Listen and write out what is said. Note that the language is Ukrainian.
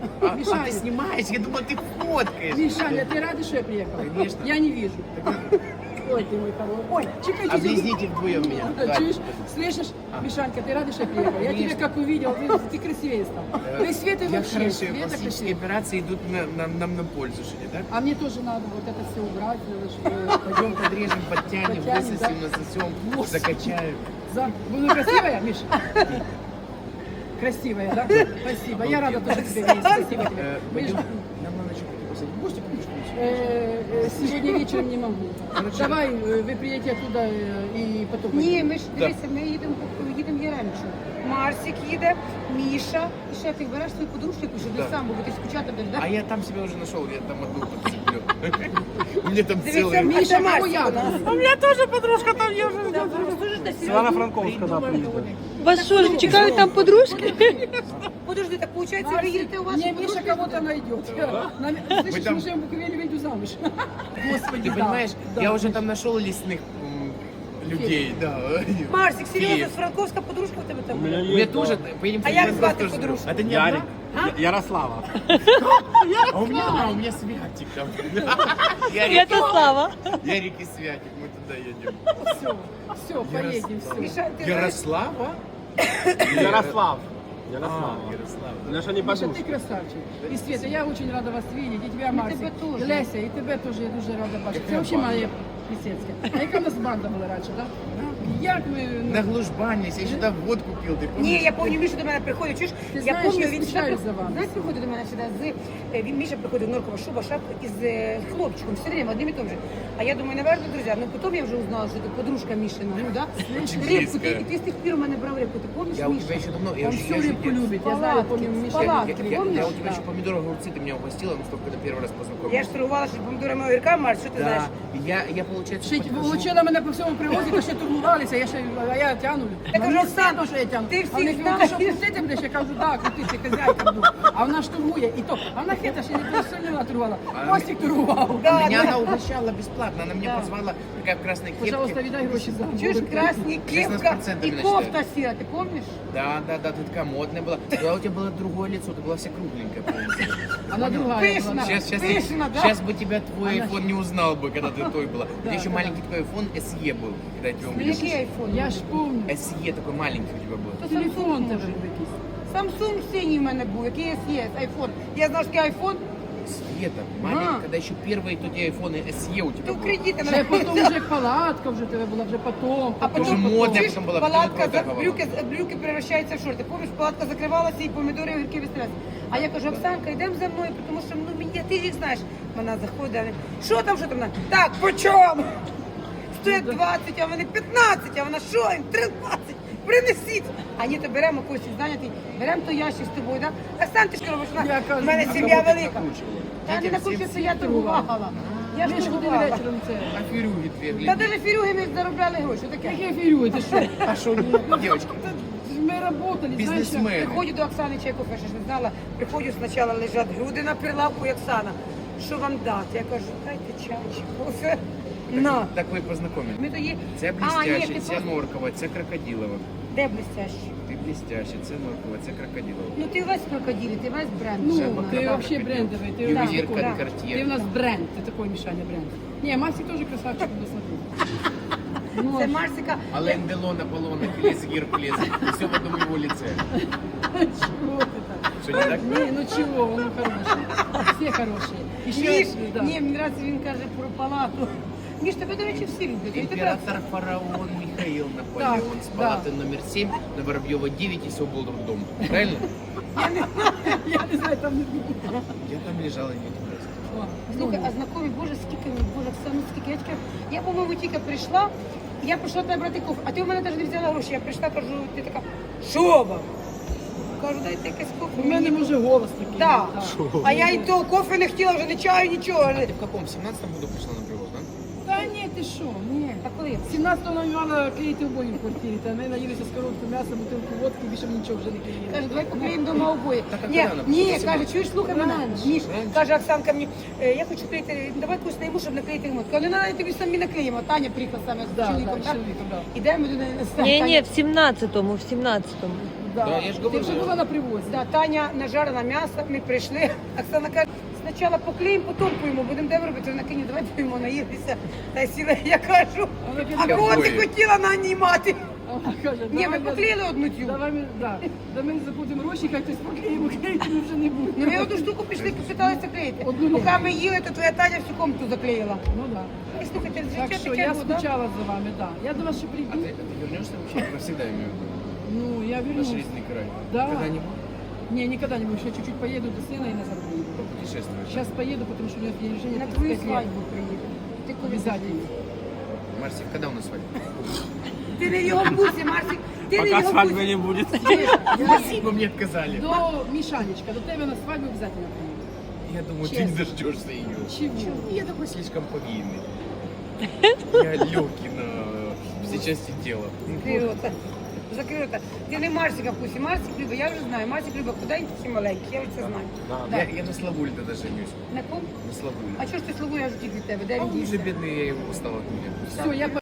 А Мишаня. ты снимаешь? Я думал, ты фоткаешь. Мишаня, ты рада, что я приехала? Конечно. Я не вижу. Ой, ты мой хороший. Ой, чекай, чекай. Облизните вдвоем меня. Давай. Чуешь? Слышишь, Мишанька, ты рада, что я приехала? Я тебя как увидела, ты красивее стал. Да и Света Я вообще, хорошо, Света пластические красивее. операции идут нам на пользу, что ли, так? А мне тоже надо вот это все убрать, надо, чтобы... Пойдем подрежем, подтянем, Подтянем, высосем, да. насосем, Господи. закачаем. Буду красивая, Миша? Красивая, да? Спасибо. Я рада тоже тебе видеть. Спасибо тебе. Пойдем. Нам надо что-то посадить. Можете помочь? Сегодня вечером не могу. Давай, вы приедете оттуда и потом... Ні, ми ж дивися, ми їдемо Яремчу. Марсик їде, Міша. І ще ти береш свою подружку, щоб ти Да. сам, бо ти скучати будеш, А так? я там себя уже нашел, я там одну подцеплю. У меня там Дивіться, целый... Міша, Марсик, Марсик у нас. у мене теж подружка там є вже. Світлана Франковська, да, приїде. Вас що ж чекають там подружки? Подожди, так виходить, ви їдете у вас Не, подружка? Миша кого-то найдет. Слышишь, там- мы живем в Буковеле, выйду замуж. Господи, Ты да. понимаешь, Да. я уже там нашел лесных людей, да. Марсик, серйозно, Киев. з Франковська подружка в тебе там? У меня У меня есть, тоже, да. поедем А як в звати тоже. подружку? А ты не Ярик. одна? Ярослава. А у меня Святик там. Святослава. Ярик и Святик, мы туда едем. Все, поедем, все. Міша, ти знаєш, Ярослава? Ярослав. А, Ярослава. Ярослава. Наша не Миша, подружка. ты красавчик. И Света, я очень рада вас видеть, и тебя, Марсик. тебе тоже. И Леся, и тебе тоже я дуже рада бачити. Це Яка вообще банда? моя Плісецька. А яка у нас банда була раніше, так? Як ми... На глужбанились, я сюда водку пил, ты помнишь? Ні, я пам'ятаю, Міша до мене приходить, чуєш? Ти Я знаєш, пам'ятаю, я він скучаю сюди, за вами. знаєш, приходить до мене сюди він Міша приходить в норкова шуба, шапка із хлопчиком, все время одним і тим же. А я думаю, наверное, друзі, ну потім я вже узнала, що ти подружка Мішина, ну да? Очень Рибку, близкая. ти з тих пір у мене брав рибку, ти пам'ятаєш, Я у Міша? тебя еще давно, я Он уже- всю я уже- рыбку я- любит, я знаю, Палатки, помню, Миша. палатки. Я помнишь? у тебя Да. еще помидоры, огурцы ты меня угостила, ну что, когда первый раз познакомились. Я ж торгувала, що помідорами огірка, Марс, що ти знаєш? Да, я получается, Шить, подхожу. Волочила мене по всьому привозі, то ще турбувалися, а я тягну. Так Мені уже стидно, що я тягну. ти А вони всіх кажуть, ти що знаєш. крутити будеш? Я кажу, так, крутити, хазяйка буду. А вона ж турбує, і то. А вона хита, ще не то сильно турбувала. Костік турбував. Да, Меня да. она угощала бесплатно, она меня Да. позвала, такая в красной кепке. Пожалуйста, віддай гроші за Чуєш, красні кепка 16% і начисляют. кофта сіра, ти пам'ятаєш? Да, ты такая модная была. Да, у тебя было другое лицо, ты была вся кругленькая. полностью. Вона другая Пишна. була. Пышно, да? Сейчас бы тебя твой Она iPhone не узнал бы, когда ты той была. У тебя еще да, маленький такой iPhone SE был, когда я тебя Ну, увидел. який айфон? Я ж помню. SE такой маленький у тебя был. Телефон тебе якийсь. Samsung синій в мене був, який є, айфон. Я знав, що такий айфон, Света, маленький, когда еще первые тут айфоны SE у тебя то был. кредити Ще потім вже палатка вже тебе була, вже потом. А Дуже потім модна чуєш, потім була, палатка, потім проторгувала. брюки превращаються в шорти. Помніш, палатка закривалася і помідори і огірки вистрілялися. А я кажу, Оксанка, йдемо за мною, тому що ну, мені, ти їх знаєш. Вона заходить, а вона, що там? Вона, так, по чому? Стоять 20, а вони 15, а вона що, їм 13, принесіть. А ні, то беремо когось зайнятий, беремо той ящик з тобою, да? Оксан, ти що робиш? Я кажу, У мене а сім'я кого ти велика. накручувала? Та не Дітям накручується, всім я торгувала. Я ж Ми ж ходили торгувала. вечором це. А фирюги две, Та гляди. навіть фірюги ми заробляли гроші, таке. Яке фірює, ти що? А что, девочки, Ми работали, знаєш, як- бизнесмен. Приходжу до Оксани Чайков, я ж не знала, приходжу, спочатку лежать груди на прилавку, і Оксана, що вам дати? Я кажу, дайте чай чи кофе. На. Так ви познайомились. Ми тоді... Це А, блістяще, ні, ти це просто- норкова, це крокодилова. Де блестящий? Ти блістяще, це норкова, це крокодилова. Ну ти весь крокодилі, ти весь бренд. Ну, Вже ты вона. вообще брендовый. Ты, Ювелир да. Cartier. ты у нас бренд, ты такой, Мишаня, бренд. Не, Масик тоже красавчик, буду смотреть. Ну, Це Марсика. Ален Делон, Аполлон, Ахиллес, Геркулес. Все в одном его лице. чего ты так? Что, не так? Не, ну чего, он хороший. Все хорошие. Еще, Міш, да. ні, мені нравиться, він каже про палату. Міш, тебе, до речі, всі люблять. І тебе- Император фараон Михаил Наполеон с да. палаты номер 7 на Воробьева 9 и все был роддом. Правильно? Я не знаю, там не было. Я там лежал и не просто. Слухай, а знакомі, боже, скільки мені, боже, Оксана, скільки. Я тільки, я, по-моєму, тільки прийшла, я прийшла тебе брати кофе, а ти у мене навіть не взяла гроші. Я прийшла, кажу, ти така, що вам? Кажу, дайте якесь кофе. У мене може голос такий. Так. да. А я і то кофе не хотіла, вже не чаю, нічого. Ты в каком? В 17-м году пришла на привоз, да? Та ні, ти що, ні. А коли? 17-го нам мала клеїти обої в квартирі, та ми наїлися з коробку м'яса, бутилку водки, більше нічого вже не клеїли. Каже, давай поклеїмо дома обоє. Так, а Ні, коли вона ні, прийшла? каже, чуєш, слухай мене. Раніше. Міш, Раніше. каже Оксанка мені, я хочу клеїти, давай когось найму, щоб наклеїти ремонт. Кажу, не треба, тобі самі наклеїмо. Таня приїхала саме з Да, чоловіком, да, так? чоловіком, да. Ідемо до неї на Ні, ні, в 17-му, в 17-му. Да, я ж Ти говорю. вже була на привозі. Да, Таня нажарила м'ясо, ми прийшли. Оксана каже, спочатку поклеїмо, потім поїмо, будемо де робити. Вона каже, давай поїмо, наїлися. Та й сіла, я кажу, Вона а каже, кого ти Якої? хотіла нанімати? а вона каже, Ні, ми давай поклеїли одну цю. Давай ми, да. Да ми заплатимо гроші, хай хтось поклеїмо, клеїти ми вже не Ну будемо. ми одну штуку пішли, попиталися клеїти. Одну Поки ні. ми їли, то твоя Таня всю комнату заклеїла. Ну да. І слухайте, Так життя що таке я було, да? скучала за вами, да. Я до вас ще А прийду. ты вернешься вообще? Навсегда имею в виду. Ну, я Наш вернусь. жизненный край. Да. Когда-нибудь Не, никогда не будешь. Я чуть-чуть поеду до сына и назад приеду. путешествуешь. Сейчас поеду, потому что у меня день рождения На твою 35 лет. свадьбу приїде. Ти коли Обязательно. Марсик, когда у нас свадьба? Ти не в його вкусі, Марсик. Ти не в Пока його свадьбы вкусі. не будет. Спасибо, мне отказали. До Мишанечка, до тебя на свадьбу обязательно приеду. Я думаю, ты Честно. не дождешься ее. Чего? Я такой слишком повинный. Я легкий на все части тела. Закрий рота. Закрий рота. Ти не Марсика вкусі. Марсик любить, я вже знаю. Марсик любить худенький і маленький, я вже це знаю. Да. Я на Славуле тогда женюсь. На ком? На Славуле. А чого ж ти слугу, я ж тільки від тебе? Де А він он уже дівся? бедный, я его устал от меня. Все, я